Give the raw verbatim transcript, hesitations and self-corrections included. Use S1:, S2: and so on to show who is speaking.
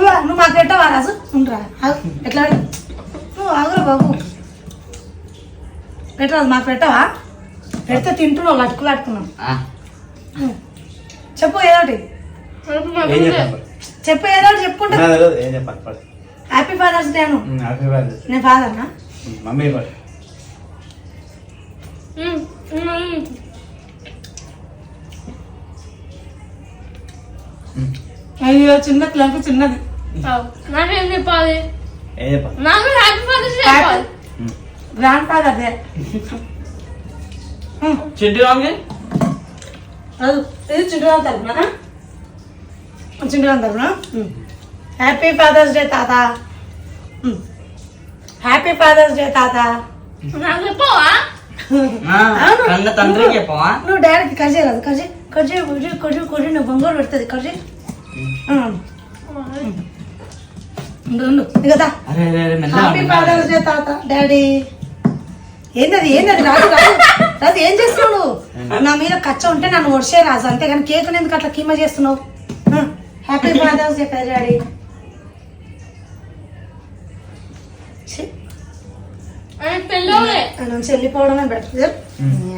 S1: నువ్వు మాకు పెట్టవా రాజు ఉండరా ఎట్లా నువ్వు ఆగురా బాబు పెట్టరాదు మాకు పెట్టవా పెడితే తింటున్నావు లట్టుకులు అట్టుకున్నావు చెప్పు ఏదోటి చెప్పు ఏదోటి చెప్పుకుంటా హ్యాపీ ఫాదర్స్ డే అను నేను ఫాదర్నా
S2: మమ్మీ
S1: అయ్యో చిన్న క్లంపు చిన్నది
S3: నాకేం చెప్పాలి
S2: ఏం చెప్పాలి
S3: నాకు హ్యాపీ ఫాదర్స్ డే చెప్పాలి
S1: గ్రాండ్ ఫాదర్ డే
S2: చింటి రాంగి
S1: అది ఇది చింటుగాని తరపున చింటుగాని తరపున హ్యాపీ ఫాదర్స్ డే తాత హ్యాపీ ఫాదర్స్ డే తాత
S3: నాకు చెప్పవా
S4: కన్న తండ్రికి చెప్పవా
S1: నువ్వు డాడీకి కజే రాదు కజే కజే కొజే కొజే కొజే నువ్వు బొంగోలు పెడుతుంది కజే ఉండు ఉండు కదా
S4: అరే అరే అరే మెల్లగా
S1: హ్యాపీ ఫాదర్స్ డే తాత డాడీ ఏంటది ఏంటది రాజు రాజు రాజు ఏం చేస్తున్నావు నువ్వు నా మీద కచ్చ ఉంటే నన్ను ఒడిసే రాజు అంతేగాని కేక్ ఎందుకు అట్లా కీమ చేస్తున్నావు హ్యాపీ ఫాదర్స్ డే కదా డాడీ
S3: పెళ్ళి
S1: నుంచి వెళ్ళిపోవడమే బెటర్